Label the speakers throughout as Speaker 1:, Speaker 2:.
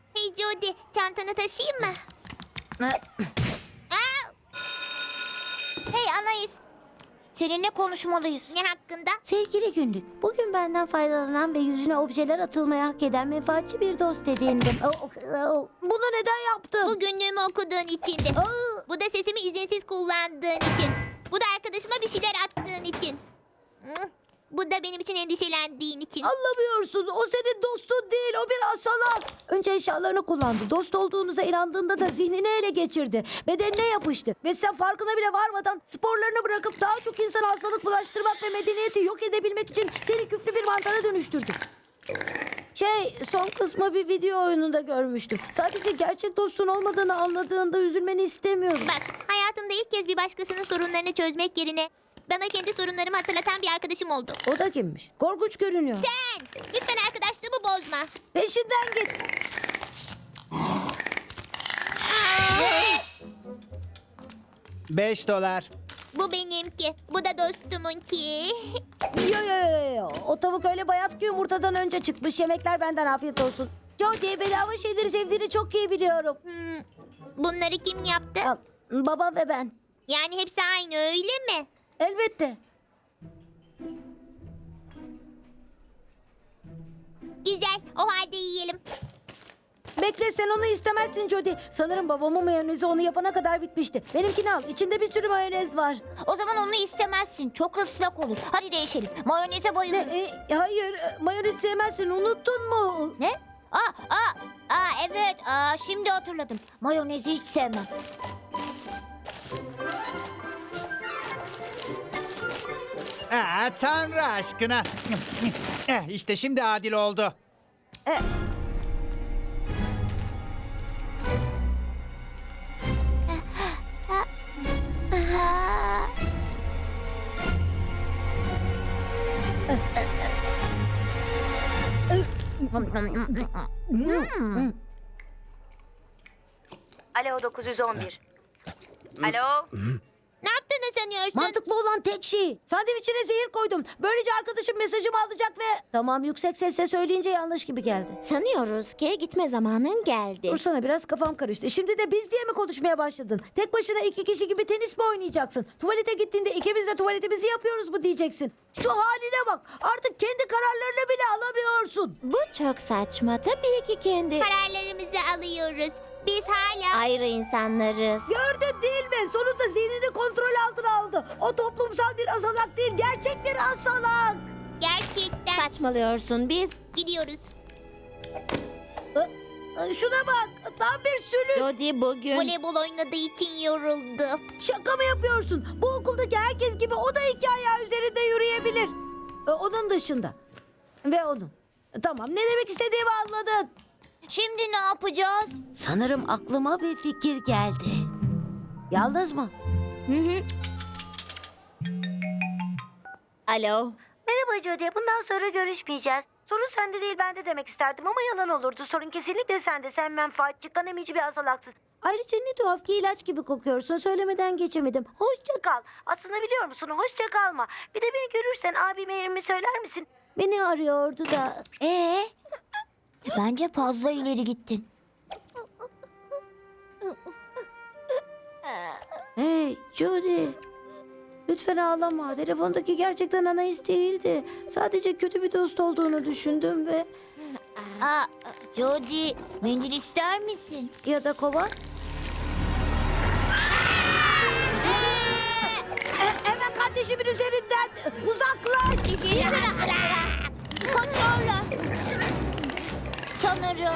Speaker 1: Hey Jody, çantanı taşıyayım mı? Aa! Hey Anais, seninle konuşmalıyız. Ne hakkında?
Speaker 2: Sevgili günlük, bugün benden faydalanan ve yüzüne objeler atılmaya hak eden menfaatçi bir dost edindim. Bunu neden yaptın?
Speaker 1: Bu günlüğümü okuduğun içindi. Bu da sesimi izinsiz kullandığın için. Bu da arkadaşıma bir şeyler attığın için. Hı? Bu da benim için endişelendiğin için.
Speaker 2: Anlamıyorsun. O senin dostun değil. O bir asalak. Önce eşyalarını kullandı. Dost olduğunuza inandığında da zihnini ele geçirdi. Bedenine yapıştı. Ve sen farkına bile varmadan sporlarını bırakıp daha çok insana hastalık bulaştırmak ve medeniyeti yok edebilmek için seni küflü bir mantara dönüştürdü. Son kısmı bir video oyununda görmüştüm. Sadece gerçek dostun olmadığını anladığında üzülmeni istemiyorum.
Speaker 1: Bak, hayatımda ilk kez bir başkasının sorunlarını çözmek yerine bana kendi sorunlarımı hatırlatan bir arkadaşım oldu.
Speaker 2: O da kimmiş? Korkunç görünüyor.
Speaker 1: Sen! Lütfen arkadaşlığımı bozma.
Speaker 2: Peşinden git.
Speaker 3: $5.
Speaker 1: Bu benimki. Bu da dostumunki.
Speaker 2: Yo. O tavuk öyle bayat ki yumurtadan önce çıkmış. Yemekler benden, afiyet olsun. Jody, bedava şeyleri sevdiğini çok iyi biliyorum.
Speaker 1: Bunları kim yaptı?
Speaker 2: Al, babam ve ben.
Speaker 1: Yani hepsi aynı öyle mi?
Speaker 2: Elbette.
Speaker 1: Güzel. O halde yiyelim.
Speaker 2: Bekle, sen onu istemezsin Jody. Sanırım babamın mayonezi onu yapana kadar bitmişti. Benimkini al. İçinde bir sürü mayonez var.
Speaker 1: O zaman onu istemezsin. Çok ıslak olur. Hadi değişelim. Mayoneze bayılırım.
Speaker 2: Hayır, mayonez sevmezsin. Unuttun mu?
Speaker 1: Ne? Evet. Şimdi hatırladım. Mayonezi hiç sevmem.
Speaker 3: Tanrı aşkına. İşte şimdi adil oldu.
Speaker 4: Alo 911. Alo.
Speaker 1: Ne yaptığını sanıyorsun?
Speaker 2: Mantıklı olan tek şey. Sandviçine zehir koydum. Böylece arkadaşım mesajımı alacak ve... Tamam, yüksek sesle söyleyince yanlış gibi geldi.
Speaker 1: Sanıyoruz ki gitme zamanın geldi.
Speaker 2: Dursana, biraz kafam karıştı. Şimdi de biz diye mi konuşmaya başladın? Tek başına iki kişi gibi tenis mi oynayacaksın? Tuvalete gittiğinde ikimiz de tuvaletimizi yapıyoruz mu diyeceksin? Şu haline bak. Artık kendi kararlarını bile alamıyorsun.
Speaker 5: Bu çok saçma. Tabii ki kendi
Speaker 1: Kararlarımızı alıyoruz. Biz hala...
Speaker 5: ayrı insanlarız.
Speaker 2: Gördün değil mi? Sonunda zihnini kontrol altına aldı. O toplumsal bir asalak değil, gerçek bir asalak.
Speaker 1: Gerçekten
Speaker 5: Saçmalıyorsun biz.
Speaker 1: gidiyoruz.
Speaker 2: Şuna bak. Tam bir sülük.
Speaker 5: Jody bugün
Speaker 1: Voleybol oynadığı için yoruldu.
Speaker 2: Şaka mı yapıyorsun? Bu okuldaki herkes gibi o da iki ayağı üzerinde yürüyebilir. Onun dışında. Ve onun. Tamam, ne demek istediğimi anladın.
Speaker 1: Şimdi ne yapacağız?
Speaker 2: Sanırım aklıma bir fikir geldi. Yalnız mı?
Speaker 5: Alo.
Speaker 2: Merhaba Jody. Bundan sonra görüşmeyeceğiz. Sorun sende değil, bende demek isterdim ama yalan olurdu. Sorun kesinlikle sende. Sen menfaatçi, kanemici bir azalaksın. Ayrıca ne tuhaf ki ilaç gibi kokuyorsun. Söylemeden geçemedim. Hoşça kal. Aslında biliyor musun? Hoşça kalma. Bir de beni görürsen abime yerimi söyler misin? Beni arıyordu da.
Speaker 1: Bence fazla ileri gittin.
Speaker 2: Hey Jody. Lütfen ağlama. Telefondaki gerçekten Anais değildi. Sadece kötü bir dost olduğunu düşündüm ve...
Speaker 1: Jody, mendil ister misin?
Speaker 2: Ya da kovan. Hemen kardeşimin üzerinden uzaklaş.
Speaker 1: Kaç sonra? Sanırım.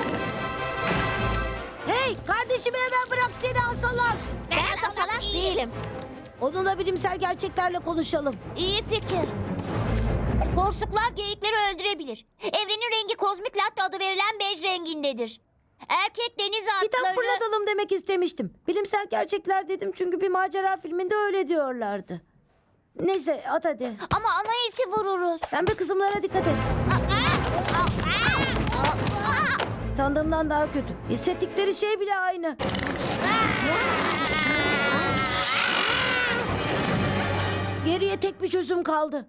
Speaker 2: Hey, kardeşimi hemen bırak, seni asalak.
Speaker 1: Ben salak değilim.
Speaker 2: Onunla bilimsel gerçeklerle konuşalım.
Speaker 1: İyi fikir. Borsuklar geyikleri öldürebilir. Evrenin rengi kozmik latte adı verilen bej rengindedir. Erkek deniz
Speaker 2: Kitap
Speaker 1: atları...
Speaker 2: fırlatalım demek istemiştim. Bilimsel gerçekler dedim çünkü bir macera filminde öyle diyorlardı. Neyse, at hadi.
Speaker 1: Ama Anais'i vururuz.
Speaker 2: Pembe kısımlara dikkat et. Sandığımdan daha kötü. Hissettikleri şey bile aynı. Geriye tek bir çözüm kaldı.